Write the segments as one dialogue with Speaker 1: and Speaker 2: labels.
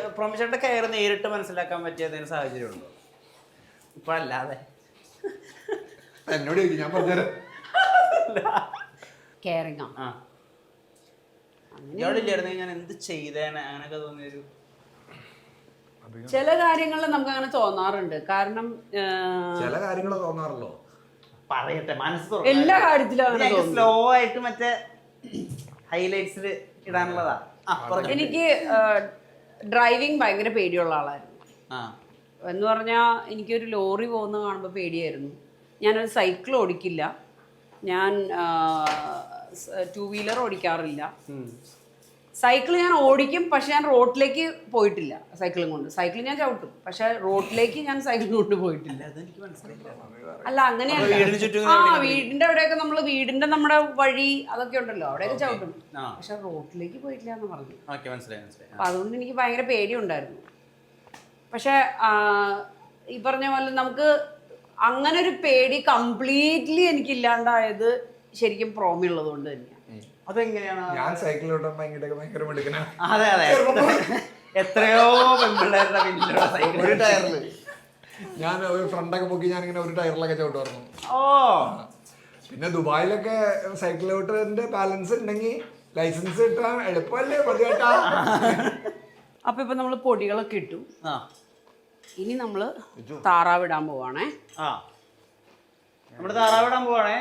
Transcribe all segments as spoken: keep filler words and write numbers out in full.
Speaker 1: പ്രൊമിഷന്റെ care നേരിട്ട് മനസ്സിലാക്കാൻ പറ്റിയ ഏതെങ്കിലും സാഹചര്യം ഉണ്ടോ? ഇപ്പൊ അല്ലാതെ
Speaker 2: എന്നോട് ഞാൻ പറഞ്ഞുതരാം.
Speaker 3: കെയറിംഗ്
Speaker 1: ആ ഇയാളില്ലായിരുന്നു ഞാൻ എന്ത് ചെയ്തേനെ അങ്ങനെയൊക്കെ തോന്നിയൊരു
Speaker 3: ചില കാര്യങ്ങളിൽ നമുക്ക് അങ്ങനെ തോന്നാറുണ്ട്. കാരണം
Speaker 2: ചില കാര്യങ്ങൾ തോന്നാറല്ലോ.
Speaker 1: പറയട്ടെ മനസ്സ്
Speaker 3: എല്ലാ കാര്യത്തിലും
Speaker 1: സ്ലോ ആയിട്ട് മറ്റേ ഹൈലൈറ്റ്സിൽ ഇടാനുള്ളതാ.
Speaker 3: എനിക്ക് ഡ്രൈവിംഗ് ഭയങ്കര പേടിയുള്ള ആളായിരുന്നു. എന്ന് പറഞ്ഞാൽ എനിക്കൊരു ലോറി പോകുന്ന കാണുമ്പോൾ പേടിയായിരുന്നു. ഞാനൊരു സൈക്കിൾ ഓടിക്കില്ല, ഞാൻ ടൂ വീലർ ഓടിക്കാറില്ല. സൈക്കിൾ ഞാൻ ഓടിക്കും, പക്ഷെ ഞാൻ റോഡിലേക്ക് പോയിട്ടില്ല സൈക്കിളും കൊണ്ട്. സൈക്കിൾ ഞാൻ ചവിട്ടും, പക്ഷെ റോഡിലേക്ക് ഞാൻ സൈക്കിൾ കൊണ്ട് പോയിട്ടില്ല. അല്ല അങ്ങനെയല്ല, ആ വീടിന്റെ അവിടെയൊക്കെ നമ്മള് വീടിന്റെ നമ്മുടെ വഴി അതൊക്കെ ഉണ്ടല്ലോ, അവിടെയൊക്കെ ചവിട്ടും, പക്ഷെ റോഡിലേക്ക് പോയിട്ടില്ല എന്ന് പറഞ്ഞു. അപ്പൊ അതുകൊണ്ട് എനിക്ക് ഭയങ്കര പേടിയുണ്ടായിരുന്നു. പക്ഷെ ഈ പറഞ്ഞ പോലെ നമുക്ക് അങ്ങനെ ഒരു പേടി കംപ്ലീറ്റ്ലി എനിക്ക് ഇല്ലാണ്ടായത് ശരിക്കും പ്രോമിയുള്ളത് കൊണ്ട് തന്നെയാണ്.
Speaker 1: അതെങ്ങനെയാണ്?
Speaker 2: ഞാൻ സൈക്കിൾ ഓട്ടാൻ ഭയങ്കര ഭയങ്കര മിടുക്കനാ.
Speaker 1: അതെ അതെ, എത്രയോ പെൺപിള്ളേരുടെ
Speaker 2: ഒരു ടയറില് ഞാൻ ഒരു ഫ്രണ്ടൊക്കെ പൊക്കി ഞാനിങ്ങനെ ഒരു ടയറിലൊക്കെ ചവിട്ടുമായിരുന്നു.
Speaker 1: ഓ
Speaker 2: പിന്നെ ദുബായിലൊക്കെ സൈക്കിൾ ഓട്ടറിന്റെ ബാലൻസ് ഉണ്ടെങ്കിൽ ലൈസൻസ് കിട്ടാൻ എളുപ്പമല്ലേ പതിവേട്ടാ.
Speaker 3: അപ്പൊ ഇപ്പൊ നമ്മള് പൊടികളൊക്കെ ഇട്ടു. ഇനി നമ്മള് താറാവിടാൻ പോവാണേ.
Speaker 1: ആ നമ്മള് താറാവിടാൻ പോവാണേ.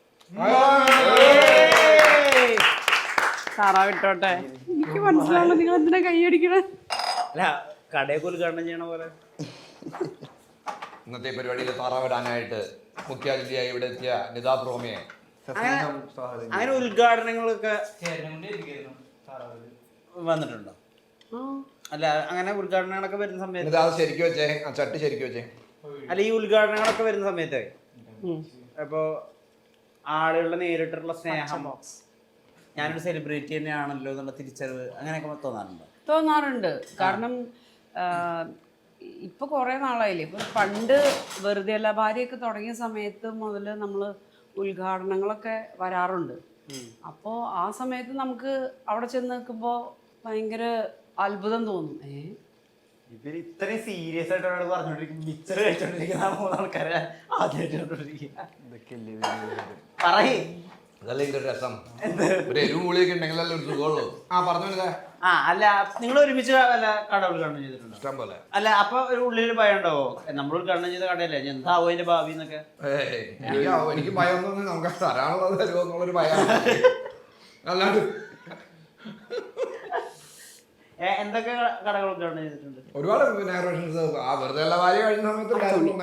Speaker 3: താറാവിട്ടോട്ടെ. എനിക്ക് മനസ്സിലാവുള്ളൂ നിങ്ങൾ എന്തിനാ കൈയടിക്കണേ.
Speaker 1: അല്ല കടയൊക്കെ ഉദ്ഘാടനം ചെയ്യണ പോലെ
Speaker 2: ഇന്നത്തെ പരിപാടിയിൽ താറാവിടാനായിട്ട് മുഖ്യാതിഥിയായി ഇവിടെ എത്തിയ നിതാ പ്രോമിയെ
Speaker 1: അങ്ങനെ ഉദ്ഘാടനങ്ങളൊക്കെ വന്നിട്ടുണ്ടോ? അല്ല അങ്ങനെ ഉദ്ഘാടനങ്ങളൊക്കെ വരുന്ന സമയത്ത്
Speaker 2: ശരിക്കും വെച്ചേ ആ ചട്ടി ശരിക്കും വെച്ചേ.
Speaker 1: അല്ല ഈ ഉദ്ഘാടനങ്ങളൊക്കെ വരുന്ന സമയത്ത് അപ്പോ ആളുകളുടെ നേരിട്ടുള്ള സ്നേഹം, ഞാനൊരു സെലിബ്രിറ്റി തന്നെയാണല്ലോ എന്നുള്ള തിരിച്ചറിവ് അങ്ങനെയൊക്കെ തോന്നാറുണ്ടോ?
Speaker 3: തോന്നാറുണ്ട്. കാരണം ഇപ്പൊ കുറെ നാളായില്ലേ, ഇപ്പൊ പണ്ട് വെറുതെ അല്ല ഭാര്യയൊക്കെ തുടങ്ങിയ സമയത്ത് മുതൽ നമ്മള് ഉദ്ഘാടനങ്ങളൊക്കെ വരാറുണ്ട്. അപ്പോ ആ സമയത്ത് നമുക്ക് അവിടെ ചെന്ന് നിൽക്കുമ്പോ ഭയങ്കര അത്ഭുതം തോന്നും. ഏ
Speaker 1: ഇവര് ഇത്രയും സീരിയസ് ആയിട്ട് ഒരാൾ പറഞ്ഞോണ്ടിരിക്കും, മിച്ചർ കഴിച്ചോണ്ടിരിക്കുന്ന മൂന്ന് ആൾക്കാരെ ആദ്യമായിട്ട് പറയേ.
Speaker 2: അതല്ല ഇതിന്റെ രസം. ഒരു എരിവ് മൂളിയൊക്കെ ഉണ്ടെങ്കിലല്ലേ ഒരു സുഖമുള്ളൂ. ആ പറഞ്ഞു.
Speaker 1: ആ അല്ല നിങ്ങൾ ഒരുമിച്ച് വല്ല കട ഉദ്ഘാടനം ചെയ്തിട്ടുണ്ടോ?
Speaker 2: ഇഷ്ടം പോലെ.
Speaker 1: അല്ല അപ്പൊ ഒരു ഉള്ളിലൊരു ഭയം ഉണ്ടാവോ, നമ്മൾ ഉദ്ഘാടനം ചെയ്ത കടയല്ലേ എന്താവോ അതിന്റെ ഭാവി എന്നൊക്കെ?
Speaker 2: എനിക്ക് ഭയം ഒന്നും നമുക്ക് തരാനുള്ളത് തരുമോ എന്നുള്ളൊരു ഭയം. അല്ലാണ്ട്
Speaker 1: എന്തൊക്കെ കടകൾ ഉദ്ഘാടനം ചെയ്തിട്ടുണ്ട്?
Speaker 2: ഒരുപാട് ആ വെറുതെ എല്ലാ ഭാര്യ കഴിഞ്ഞ സമയത്ത്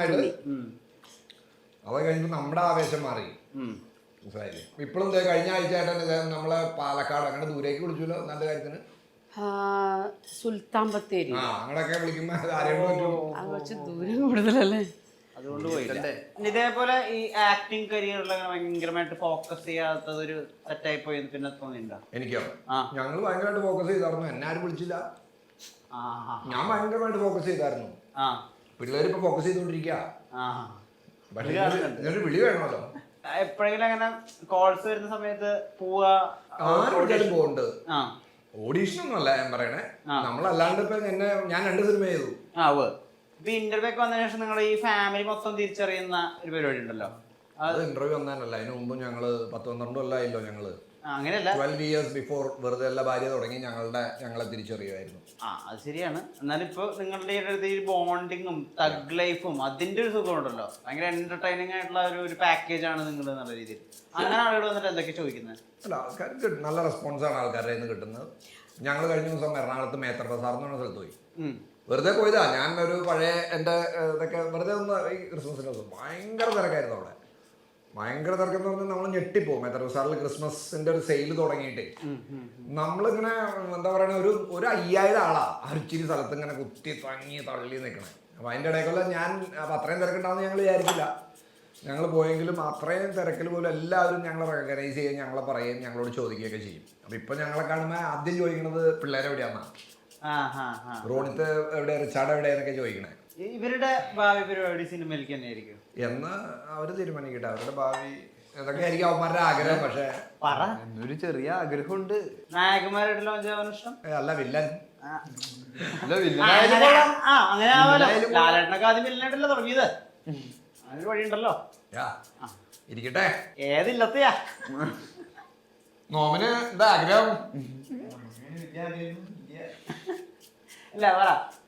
Speaker 2: അത് കഴിഞ്ഞപ്പോ നമ്മുടെ ആവേശം മാറി. മനസ്സിലായില്ലേ? ഇപ്പോഴും കഴിഞ്ഞ ആഴ്ച ആയിട്ട് നമ്മളെ പാലക്കാട് അങ്ങനെ ദൂരേക്ക് വിളിച്ചല്ലോ നല്ല കാര്യത്തിന്.
Speaker 3: സുൽത്താൻ ബത്തേരി
Speaker 2: അങ്ങനെയൊക്കെ വിളിക്കുമ്പോ ആരെയും
Speaker 3: ദൂരം കൂടുതലല്ലേ,
Speaker 1: അതുകൊണ്ട് പോയില്ല. ഇതേപോലെ ഈ ആക്ടിങ് കരിയറിൽ ഭയങ്കരമായിട്ട് ഫോക്കസ് ചെയ്യാത്തത് ഒരു സെറ്റായി പോയി പിന്നെ തോന്നിയിട്ടുണ്ടോ?
Speaker 2: എനിക്കോ? ഞങ്ങൾ ഭയങ്കരമായിട്ട് ഫോക്കസ് ചെയ്തായിരുന്നു. എന്നെ ആരും വിളിച്ചില്ല. ഞാൻ ഭയങ്കരമായിട്ട് ഫോക്കസ് ചെയ്തായിരുന്നു. പിള്ളേർ ഇപ്പൊ ഫോക്കസ് ചെയ്തോണ്ടിരിക്കുക. പക്ഷെ വിളി വേണമല്ലോ.
Speaker 1: എപ്പോഴെങ്കിലും അങ്ങനെ കോൾസ് വരുന്ന സമയത്ത് പോവാ?
Speaker 2: പോകുന്നുണ്ട്. ഓഡീഷൻ ഒന്നും അല്ല ഞാൻ പറയണേ, നമ്മളല്ലാണ്ട് ഇപ്പൊ എന്നെ ഞാൻ രണ്ട് സിനിമ ചെയ്തു.
Speaker 1: ആ ഇപ്പൊ ഇന്റർവ്യൂ ഒക്കെ വന്നതിന് ശേഷം നിങ്ങൾ ഈ ഫാമിലി മൊത്തം തിരിച്ചറിയുന്ന ഒരു പരിപാടി ഉണ്ടല്ലോ.
Speaker 2: അത് ഇന്റർവ്യൂ വന്നാനല്ല, അതിന് മുമ്പ് ഞങ്ങള് പത്ത് പന്ത്രണ്ട് കൊല്ലമായില്ലോ ഞങ്ങള്.
Speaker 1: അങ്ങനെയല്ല,
Speaker 2: ട്വൽവ് ഇയേഴ്സ് ബിഫോർ വെറുതെ എല്ലാ ഭാര്യ തുടങ്ങി ഞങ്ങളുടെ ഞങ്ങളെ തിരിച്ചറിയുമായിരുന്നു.
Speaker 1: ആ അത് ശരിയാണ്. എന്നാലും ഇപ്പൊ നിങ്ങളുടെ അടുത്ത് ഈ ബോണ്ടിങ്ങും തഗ് ലൈഫും അതിന്റെ ഒരു സുഖം ഉണ്ടല്ലോ, ഭയങ്കര എന്റർടൈനിങ് ആയിട്ടുള്ള ഒരു ഒരു പാക്കേജ് ആണ് നിങ്ങൾ എന്നുള്ള രീതിയിൽ. അങ്ങനെ ആളുകൾ വന്നിട്ട് എന്തൊക്കെ ചോദിക്കുന്നത്?
Speaker 2: അല്ല ആൾക്കാർക്ക് നല്ല റെസ്പോൺസാണ് ആൾക്കാരുടെ നിന്ന് കിട്ടുന്നത്. ഞങ്ങൾ കഴിഞ്ഞ ദിവസം എറണാകുളത്ത് മേത്ര ബസാർ എന്ന് പറഞ്ഞ സ്ഥലത്ത് പോയി. വെറുതെ പോയതാ. ഞാൻ ഒരു പഴയ എൻ്റെ ഇതൊക്കെ വെറുതെ ഒന്ന് ഈ ക്രിസ്മസിൻ്റെ ദിവസം ഭയങ്കര തിരക്കായിരുന്നു അവിടെ. ഭയങ്കര തിരക്കെന്ന് പറഞ്ഞാൽ നമ്മൾ ഞെട്ടിപ്പോകും. മേത്ര ബസാറിൽ ക്രിസ്മസിന്റെ ഒരു സെയിൽ തുടങ്ങിയിട്ട് നമ്മളിങ്ങനെ എന്താ പറയുക, ഒരു ഒരു അയ്യായിരം ആളാ അരിച്ചിരി സ്ഥലത്ത് ഇങ്ങനെ കുത്തി തങ്ങി തള്ളി നിൽക്കണേ. അപ്പൊ അതിൻ്റെ ഇടയ്ക്കുള്ള ഞാൻ അപ്പൊ അത്രയും തിരക്കുണ്ടാവുന്ന ഞങ്ങൾ വിചാരിച്ചില്ല. ഞങ്ങൾ പോയെങ്കിലും അത്രയും തിരക്കിൽ പോലും എല്ലാവരും ഞങ്ങളെ റെക്കഗ്നൈസ് ചെയ്യുകയും ഞങ്ങളെ പറയുകയും ഞങ്ങളോട് ചോദിക്കുകയൊക്കെ ചെയ്യും. അപ്പൊ ഇപ്പൊ ഞങ്ങളെ കാണുമ്പോൾ ആദ്യം ചോദിക്കുന്നത് പിള്ളേരെവിടെയാന്നാ, റോഡിത്ത് എവിടെ, റിച്ചാർഡ് എവിടെയെന്നൊക്കെ ചോദിക്കണേ.
Speaker 1: ഇവരുടെ ഭാവി പരിപാടി സിനിമയിലേക്ക് തന്നെ ആയിരിക്കും
Speaker 2: എന്ന് അവര് തീരുമാനിക്കട്ടെ. അവരുടെ ഭാവി ഇതൊക്കെ ആയിരിക്കും അവന്മാരുടെ ആഗ്രഹം. പക്ഷെ
Speaker 1: ഒരു ചെറിയ ആഗ്രഹമുണ്ട്. നായകന്മാരായിട്ട് ലോഞ്ച് ആവാൻ ഇഷ്ടം?
Speaker 2: അല്ല, വില്ലൻ.
Speaker 1: ആ അങ്ങനെ ആവാലോ. ലാലേട്ടനൊക്കെ ആദ്യം വില്ലനായിട്ടല്ലേ തുടങ്ങിയത്. അതിനൊരു വഴിയുണ്ടല്ലോ.
Speaker 2: ഇരിക്കട്ടെ.
Speaker 1: ഏതില്ലത്തെയാ
Speaker 2: നോമിന് എന്താ ആഗ്രഹം?
Speaker 1: ഇല്ല പറ.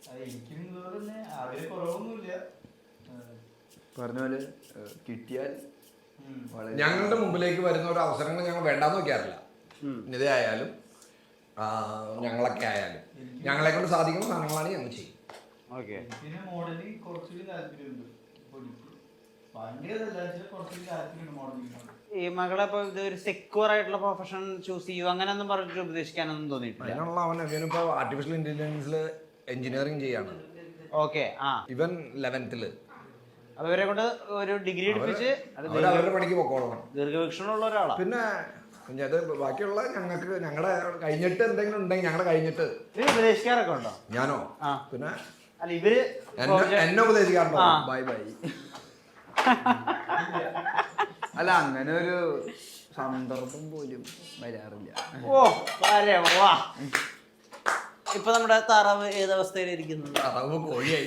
Speaker 4: പറഞ്ഞ പോലെ കിട്ടിയാൽ
Speaker 2: ഞങ്ങളുടെ മുമ്പിലേക്ക് വരുന്ന ഒരു അവസരങ്ങൾ ഞങ്ങൾ വേണ്ടാന്ന് വെക്കാറില്ല. നിത ആയാലും ഞങ്ങളൊക്കെ ആയാലും ഞങ്ങളെ കൊണ്ട് സാധിക്കുന്ന സാധനങ്ങളാണ് ഞങ്ങൾ ചെയ്യും.
Speaker 1: ഓക്കെ.
Speaker 5: പിന്നെ മോഡലിംഗ് കുറച്ചുകൂടി താല്പര്യമുണ്ട്.
Speaker 1: ഈ മകളെ ഇപ്പൊ ഇത് ഒരു സെക്യൂർ ആയിട്ടുള്ള പ്രൊഫഷൻ ചൂസ് ചെയ്യൂ അങ്ങനെയൊന്നും പറഞ്ഞിട്ട് ഉപദേശിക്കാനൊന്നും തോന്നിയിട്ടില്ല.
Speaker 2: അതിനുള്ള അവൻ ഇവനിപ്പോ ആർട്ടിഫിഷ്യൽ ഇന്റലിജൻസിൽ എഞ്ചിനീയറിംഗ് ചെയ്യാണ്.
Speaker 1: ഓക്കെ. ആ
Speaker 2: ഇവൻ ലെവൻത്തില്.
Speaker 1: അപ്പൊ ഇവരെ കൊണ്ട് ഒരു ഡിഗ്രി എടുപ്പിച്ച്
Speaker 2: അവരുടെ പണിക്ക് പൊക്കോളണം.
Speaker 1: ദീർഘവീക്ഷണമുള്ള ഒരാളാണ്.
Speaker 2: പിന്നെ അത് ബാക്കിയുള്ള ഞങ്ങൾക്ക് ഞങ്ങളുടെ കഴിഞ്ഞിട്ട് എന്തെങ്കിലും ഉണ്ടെങ്കിൽ ഞങ്ങളുടെ കഴിഞ്ഞിട്ട്
Speaker 1: ഉപദേശിക്കാറൊക്കെ ഉണ്ടോ?
Speaker 2: ഞാനോ?
Speaker 1: ആ
Speaker 2: പിന്നെ
Speaker 1: അല്ല ഇവര്
Speaker 2: എന്നെ ഉപദേശിക്കാറുണ്ടോ?
Speaker 4: Bye bye. അല്ല അങ്ങനെ ഒരു സന്ദർഭം പോലും വരാറില്ല.
Speaker 1: ഓ വരെ വാ. ഇപ്പൊ നമ്മുടെ താറാവ് ഏതവസ്ഥയിലിരിക്കുന്നത്?
Speaker 2: താറാവ് കോഴിയായി.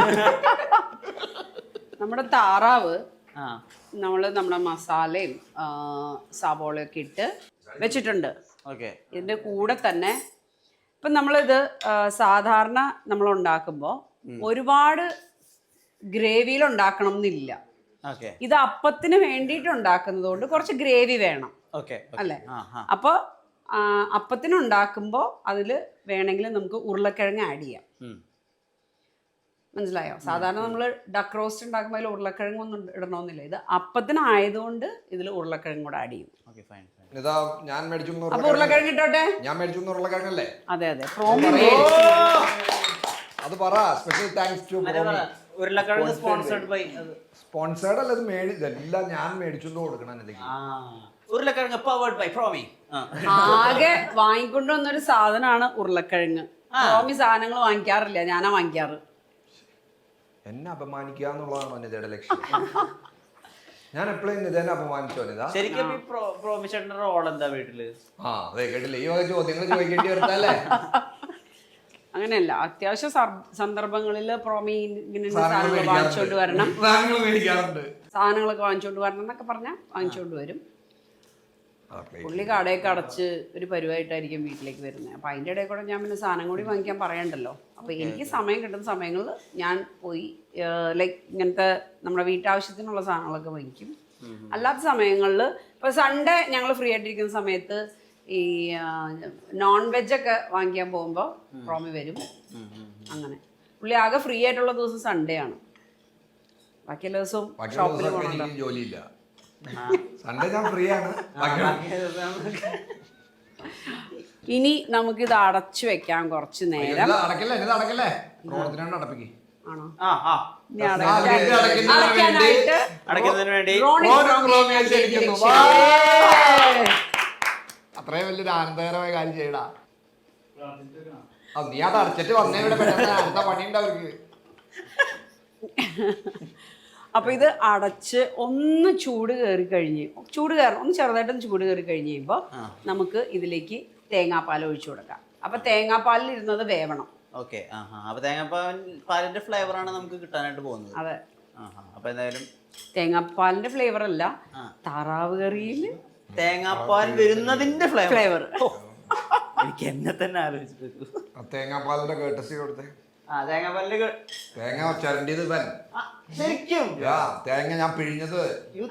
Speaker 3: നമ്മുടെ താറാവ്
Speaker 1: ആ
Speaker 3: നമ്മൾ നമ്മുടെ മസാലയും സവോളയൊക്കെ ഇട്ട് വെച്ചിട്ടുണ്ട്.
Speaker 1: ഓക്കെ.
Speaker 3: ഇതിൻ്റെ കൂടെ തന്നെ ഇപ്പം നമ്മളിത് സാധാരണ നമ്മൾ ഉണ്ടാക്കുമ്പോൾ ഒരുപാട് ഗ്രേവിയിൽ ഉണ്ടാക്കണം എന്നില്ല.
Speaker 1: ഓക്കെ.
Speaker 3: ഇത് അപ്പത്തിന് വേണ്ടിയിട്ട് ഉണ്ടാക്കുന്നത് കൊണ്ട് കുറച്ച് ഗ്രേവി വേണം.
Speaker 1: ഓക്കെ
Speaker 3: അല്ലേ? അപ്പോൾ അപ്പത്തിന് ഉണ്ടാക്കുമ്പോൾ അതിൽ വേണമെങ്കിൽ നമുക്ക് ഉരുളക്കിഴങ്ങ് ആഡ് ചെയ്യാം. മനസ്സിലായോ? സാധാരണ നമ്മൾ ഡക്ക് റോസ്റ്റ് ഉണ്ടാക്കുമ്പോൾ അതിൽ ഉരുളക്കിഴങ്ങ് ഒന്നും ഇടണമെന്നില്ല. ഇത് അപ്പത്തിനായതുകൊണ്ട് ഇതിൽ ഉരുളക്കിഴങ്ങ് കൂടെ ആഡ് ചെയ്യും.
Speaker 2: ഇതാ ഞാൻ മേടിച്ചു.
Speaker 3: അപ്പൊ ഉരുളക്കിഴങ്ങ് ഇട്ടോട്ടെ.
Speaker 2: ഞാൻ മേടിച്ചു ഉരുളക്കിഴങ്ങല്ലേ?
Speaker 3: അതെ അതെ.
Speaker 2: അത് പറ. സ്പെഷ്യൽ താങ്ക്സ് ടു
Speaker 1: ഉരുളക്കിഴങ്ങ് സ്പോൺസർഡ് ബൈ.
Speaker 2: സ്പോൺസേർഡ് അല്ല, ഇത് മേടി ഇതെല്ലാം ഞാൻ മേടിച്ചു കൊടുക്കണം.
Speaker 1: ഉരുളക്കിഴങ്ങ് പവേർഡ് ബൈ പ്രോമി.
Speaker 3: ആകെ വാങ്ങിക്കൊണ്ടുവന്നൊരു സാധനമാണ് ഉരുളക്കിഴങ്ങ്. പ്രോമി സാധനങ്ങൾ വാങ്ങിക്കാറില്ല, ഞാനാ വാങ്ങിക്കാറ്.
Speaker 2: എന്നെ അപമാനിക്കുക എന്നുള്ളതാണോ നിതയുടെ ലക്ഷ്യം? ഞാൻ എപ്പോഴും നിതേനെ അപമാനിച്ചോ നിത?
Speaker 1: ശരിക്കും പ്രോമി ചേട്ടന്റെ റോൾ എന്താ വീട്ടില്?
Speaker 2: ആ അതെ കേട്ടില്ലേ, ഈ വക ചോദ്യങ്ങൾ ചോദിക്കേണ്ടി വരുന്നല്ലേ?
Speaker 3: അങ്ങനെയല്ല, അത്യാവശ്യ സന്ദർഭങ്ങളിൽ പ്രോമി ഇങ്ങനെ സാധനങ്ങൾ വാങ്ങിച്ചോണ്ട് വരണം, സാധനങ്ങളൊക്കെ വാങ്ങിച്ചോണ്ട് വരണം എന്നൊക്കെ പറഞ്ഞാൽ വാങ്ങിച്ചോണ്ട് വരും. പുള്ളി കടയൊക്കെ അടച്ച് ഒരു പരിവായിട്ടായിരിക്കും വീട്ടിലേക്ക് വരുന്നത്. അപ്പം അതിൻ്റെ ഇടയിൽ കൂടെ ഞാൻ പിന്നെ സാധനം കൂടി വാങ്ങിക്കാൻ പറയണ്ടല്ലോ. അപ്പോൾ എനിക്ക് സമയം കിട്ടുന്ന സമയങ്ങളിൽ ഞാൻ പോയി ലൈക്ക് ഇങ്ങനത്തെ നമ്മുടെ വീട്ടാവശ്യത്തിനുള്ള സാധനങ്ങളൊക്കെ വാങ്ങിക്കും. അല്ലാത്ത സമയങ്ങളിൽ ഇപ്പോൾ സൺഡേ ഞങ്ങൾ ഫ്രീ ആയിട്ടിരിക്കുന്ന സമയത്ത് ഈ നോൺ വെജൊക്കെ വാങ്ങിക്കാൻ പോകുമ്പോൾ പ്രോമി വരും. അങ്ങനെ പുള്ളി ആകെ ഫ്രീ ആയിട്ടുള്ള ദിവസം സൺഡേ ആണ്. ബാക്കിയുള്ള ദിവസവും ഷോപ്പിൽ പോകണല്ലോ.
Speaker 2: ജോലിയില്ല, സൺഡേ ഞാൻ ഫ്രീ ആണ്.
Speaker 3: ഇനി നമുക്കിത് അടച്ചു വെക്കാം കുറച്ച് നേരം.
Speaker 2: അടക്കല്ലേ അടക്കല്ലേ അടപ്പിക്ക്.
Speaker 3: ആണോ?
Speaker 1: ഇനി അടയ്ക്കുന്നതിന് വേണ്ടി
Speaker 2: അത്രയും വലിയൊരു ആനന്ദകരമായ കാര്യം ചെയ്യടാ. നീ അത് അടച്ചിട്ട് വന്നേ, ഇവിടെ അടുത്ത പണിയുണ്ട് അവർക്ക്.
Speaker 3: അപ്പൊ ഇത് അടച്ച് ഒന്ന് ചൂട് കയറി കഴിഞ്ഞ് ചൂട് കയറണം ഒന്ന് ചെറുതായിട്ടൊന്ന് ചൂട് കയറി കഴിഞ്ഞ് കഴിയുമ്പോൾ നമുക്ക് ഇതിലേക്ക് തേങ്ങാപ്പാൽ ഒഴിച്ചു കൊടുക്കാം. അപ്പൊ തേങ്ങാപ്പാലിൽ ഇരുന്നത് വേവണം.
Speaker 1: ഓക്കെ. അപ്പൊ തേങ്ങാപ്പാൽ പാലിന്റെ ഫ്ലേവർ ആണ് നമുക്ക് കിട്ടാനായിട്ട് പോകുന്നത്.
Speaker 3: അതെ.
Speaker 1: അപ്പൊ എന്തായാലും
Speaker 3: തേങ്ങാപ്പാലിന്റെ ഫ്ലേവർ അല്ല, താറാവ് കറിയിൽ
Speaker 1: തേങ്ങാപ്പാൽ വരുന്നതിന്റെ ഫ്ലേവർ. എനിക്ക് എന്നെ തന്നെ ആലോചിച്ചു.
Speaker 2: തേങ്ങാപ്പാലിന്റെ കേട്ടസി കൊടുത്തേ.
Speaker 1: ആ തേങ്ങാപ്പാലിന്റെ
Speaker 2: തേങ്ങ ചരണ്ടിയത് ഇവൻ.
Speaker 1: ശരിക്കും
Speaker 2: തേങ്ങ ഞാൻ പിഴിഞ്ഞത്.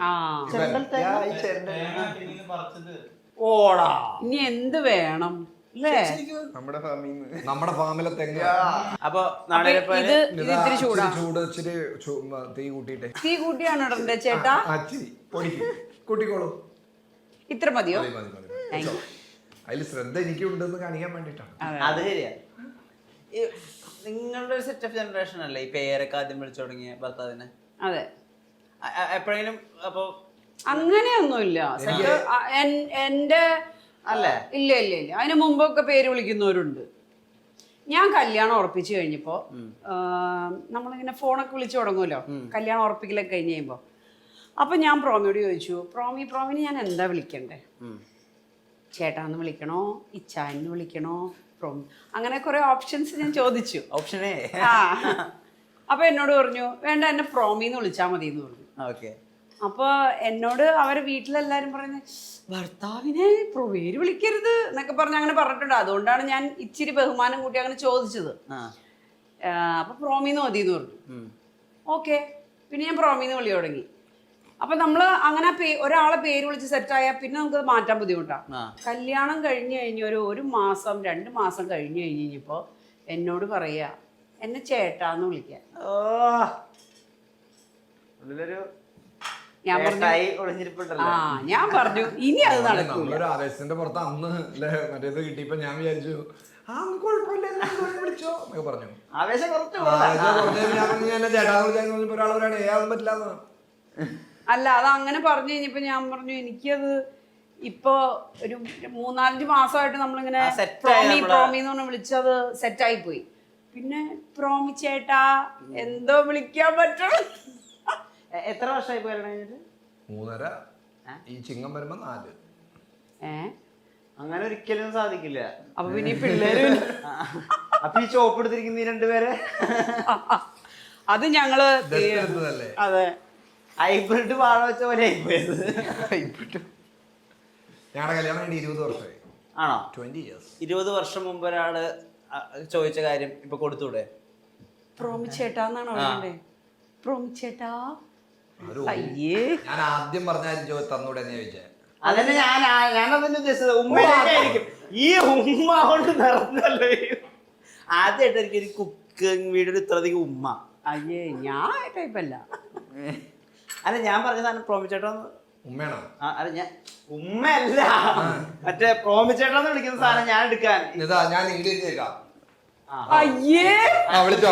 Speaker 1: ഓടാ,
Speaker 3: ഇനി എന്ത് വേണം അല്ലേ?
Speaker 4: നമ്മുടെ ഫാമിൽ
Speaker 2: നമ്മുടെ ഫാമിലെ തെങ്ങ്.
Speaker 1: അപ്പൊ
Speaker 3: ഇത് ഇത്തിരി ചൂടാ,
Speaker 2: ചൂട് ഇച്ചിരി തീ കൂട്ടിട്ടെ.
Speaker 3: തീ കൂട്ടിയാണ് ഇടണ്ടേ ചേട്ടാ?
Speaker 2: കൂട്ടിക്കോളൂ.
Speaker 3: ഇത്ര മതിയോ?
Speaker 2: അതിൽ ശ്രദ്ധ എനിക്കുണ്ടെന്ന് കാണിക്കാൻ വേണ്ടിട്ടാണ്.
Speaker 1: അത് ശരിയാ. നിങ്ങളുടെ ഒരു സെറ്റ് ഓഫ് ജനറേഷൻ അല്ലേ ഈ പേരൊക്കെ ആദ്യം വിളിച്ചു തുടങ്ങിയ ഭർത്താവിനെ?
Speaker 3: അതെ.
Speaker 1: എപ്പോഴെങ്കിലും അപ്പൊ
Speaker 3: അങ്ങനെയൊന്നുമില്ല എന്റെ
Speaker 1: അല്ലേ?
Speaker 3: ഇല്ല ഇല്ല ഇല്ല അതിന് മുമ്പൊക്കെ പേര് വിളിക്കുന്നവരുണ്ട്. ഞാൻ കല്യാണം ഉറപ്പിച്ചു കഴിഞ്ഞപ്പോ നമ്മളിങ്ങനെ ഫോണൊക്കെ വിളിച്ചു തുടങ്ങുമല്ലോ കല്യാണം ഉറപ്പിക്കലൊക്കെ കഴിഞ്ഞ് കഴിയുമ്പോ. അപ്പൊ ഞാൻ പ്രോമിയോട് ചോദിച്ചു, പ്രോമി പ്രോമിന് ഞാൻ എന്താ വിളിക്കണ്ടേ? ചേട്ടാന്ന് വിളിക്കണോ, ഇച്ചാന്ന് വിളിക്കണോ, പ്രോമി അങ്ങനെ കുറെ ഓപ്ഷൻസ് ഞാൻ ചോദിച്ചു.
Speaker 1: ഓപ്ഷനേ.
Speaker 3: ആ അപ്പൊ എന്നോട് പറഞ്ഞു വേണ്ട എന്നെ പ്രോമിന്ന് വിളിച്ചാൽ മതി എന്ന് പറഞ്ഞു.
Speaker 1: ഓക്കെ.
Speaker 3: അപ്പൊ എന്നോട് അവരെ വീട്ടിലെല്ലാരും പറയുന്നത് ഭർത്താവിനെ പേര് വിളിക്കരുത് എന്നൊക്കെ പറഞ്ഞ് അങ്ങനെ പറഞ്ഞിട്ടുണ്ട്. അതുകൊണ്ടാണ് ഞാൻ ഇച്ചിരി ബഹുമാനം കൂട്ടി അങ്ങനെ ചോദിച്ചത്. അപ്പൊ പ്രോമിന്ന് മതി എന്ന് പറഞ്ഞു. ഓക്കെ, പിന്നെ ഞാൻ പ്രോമിന്ന് വിളി തുടങ്ങി. അപ്പൊ നമ്മള് അങ്ങനെ പേ ഒരാളെ പേര് വിളിച്ച് സെറ്റായാൽ പിന്നെ നമുക്ക് മാറ്റാൻ ബുദ്ധിമുട്ടാണ്. കല്യാണം കഴിഞ്ഞ് കഴിഞ്ഞ ഒരു ഒരു മാസം രണ്ട് മാസം കഴിഞ്ഞ് കഴിഞ്ഞ് കഴിഞ്ഞപ്പോ എന്നോട് പറയാ എന്നെ ചേട്ടാന്ന് വിളിക്കാൻ. ഞാൻ പറഞ്ഞു ആ ഞാൻ പറഞ്ഞു ഇനി അത് നടക്കൂല.
Speaker 2: ഒരു ആവേശത്തിന്റെ പുറത്ത് അന്ന് അല്ലേ മറ്റേത് കിട്ടിയപ്പോ ഞാൻ വിചാരിച്ചു ആ കുഴപ്പമില്ല വിളിച്ചോ എന്നൊക്കെ പറഞ്ഞു.
Speaker 1: ആവേശം കുറച്ച്
Speaker 2: ചേട്ടാന്ന് വിളിച്ചാൽ ഒരാൾ ഒരാൾ ഏതാണെന്ന് പറ്റില്ല.
Speaker 3: അല്ല അത് അങ്ങനെ പറഞ്ഞു കഴിഞ്ഞപ്പോ ഞാൻ പറഞ്ഞു എനിക്കത് ഇപ്പൊ ഒരു മൂന്നാലഞ്ച് മാസമായിട്ട് നമ്മളിങ്ങനെ പ്രോമി പ്രോമി എന്ന് പറഞ്ഞ് വിളിച്ചത് സെറ്റായി പോയി. പിന്നെ പ്രോമി ചേട്ടാ എന്തോ വിളിക്കാൻ പറ്റും.
Speaker 1: എത്ര വർഷമായി പോയി കഴിഞ്ഞിട്ട്?
Speaker 2: മൂന്നര. ഈ ചിങ്ങം വരുമ്പോ നാല്.
Speaker 3: ഏ
Speaker 1: അങ്ങനെ ഒരിക്കലും സാധിക്കില്ല.
Speaker 3: അപ്പൊ പിന്നെ ഈ പിള്ളേര്
Speaker 1: അപ്പൊ ഈ ചോപ്പ് എടുത്തിരിക്കുന്ന ഈ രണ്ടുപേരെ
Speaker 3: അത് ഞങ്ങള്
Speaker 1: അതെ ഹൈബ്രിഡ് വാഴ വെച്ച പോലെ ആയിപ്പോയത്.
Speaker 2: ഞങ്ങളുടെ കല്യാണം കഴിഞ്ഞ് ഇരുപത് വർഷമായി.
Speaker 1: ആണോ?
Speaker 2: Twenty years.
Speaker 1: ഇരുപത് വർഷം മുമ്പ് ഒരാള് ചോദിച്ച കാര്യം ഇപ്പൊ കൊടുത്തൂടെ?
Speaker 3: പ്രോമി ചേട്ടാന്നാണോ പറയണ്ടേ? പ്രോമി ചേട്ടാ. അയ്യേ
Speaker 2: ഞാൻ ആദ്യം പറഞ്ഞ തന്നൂടെ എന്ന് ചോദിച്ചേ.
Speaker 1: അതന്നെ ഞാൻ ഞാനതന്നെ ഉദ്ദേശിച്ചത്. ഉമ്മയായിരിക്കും ഈ ഉമ്മ കൊണ്ട് നിറഞ്ഞല്ലോ. ആദ്യമായിട്ട് എനിക്ക് ഒരു കുക്കിംഗ് വീഡിയോ ഇത്രയധികം ഉമ്മ.
Speaker 3: അയ്യേ ഞാൻ ടൈപ്പല്ല.
Speaker 1: അല്ല ഞാൻ പറഞ്ഞ സാധനം പ്രോമിച്ചേട്ടോ
Speaker 2: ഉമ്മയാണോ?
Speaker 1: അല്ല ഞാൻ ഉമ്മയല്ല മറ്റേ പ്രോമിച്ചേട്ടോന്ന് വിളിക്കുന്ന സാധനം ഞാൻ എടുക്കാൻ.
Speaker 2: ഇതാ ഞാൻ ഇംഗ്ലീഷിലേക്കാം.
Speaker 3: അയ്യേ
Speaker 2: വിളിച്ചോ?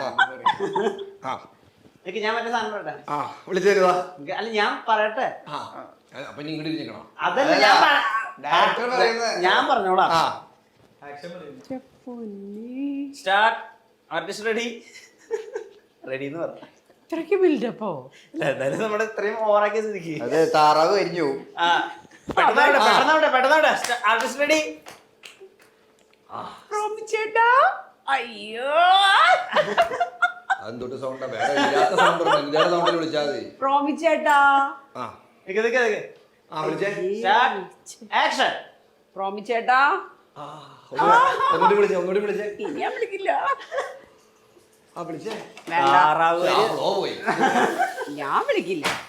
Speaker 1: എനിക്ക് ഞാൻ മറ്റേ സാധനം പറയട്ടെ.
Speaker 2: വിളിച്ചു തരുവാ.
Speaker 1: അല്ല ഞാൻ പറയട്ടെ.
Speaker 2: അപ്പൊ ഇങ്ങോട്ട് ഇരിക്കണം.
Speaker 1: അതല്ല ഞാൻ ഞാൻ പറഞ്ഞോളാം. സ്റ്റാർട്ട്. Artist ready? റെഡി എന്ന് പറഞ്ഞു.
Speaker 3: ഇത്രയ്ക്ക് ബിൽഡപ്പോ?
Speaker 1: എന്തായാലും നമ്മുടെ ഇത്രയും ഓവറാക്കിയ സ്ഥിതിക്ക്
Speaker 4: അതെ താറാവ് കരിഞ്ഞു.
Speaker 1: ആ പെട്ടെന്നോട്ടെ പെട്ടെന്നോട്ടെ പെട്ടെന്നോട്ടെ. Artist ready?
Speaker 3: പ്രോമി ചേട്ടാ. അയ്യോ
Speaker 2: അതെന്തൊട്ട് സൗണ്ടാ? വേറെ ഇല്ലാത്ത സൗണ്ട് ഇല്ലാത്ത സൗണ്ടിൽ വിളിച്ചാൽ മതി.
Speaker 3: പ്രോമി ചേട്ടാ.
Speaker 1: ആക്ഷൻ.
Speaker 3: പ്രോമി ചേട്ടാ.
Speaker 2: ഒന്നുകൂടി വിളിച്ചേ ഒന്നുകൂടി വിളിച്ചേ.
Speaker 3: ഇനി ഞാൻ വിളിക്കില്ല.
Speaker 2: ആ വിളിച്ചേ.
Speaker 3: വേണ്ട
Speaker 2: പോയി.
Speaker 3: ഞാൻ വിളിക്കില്ല.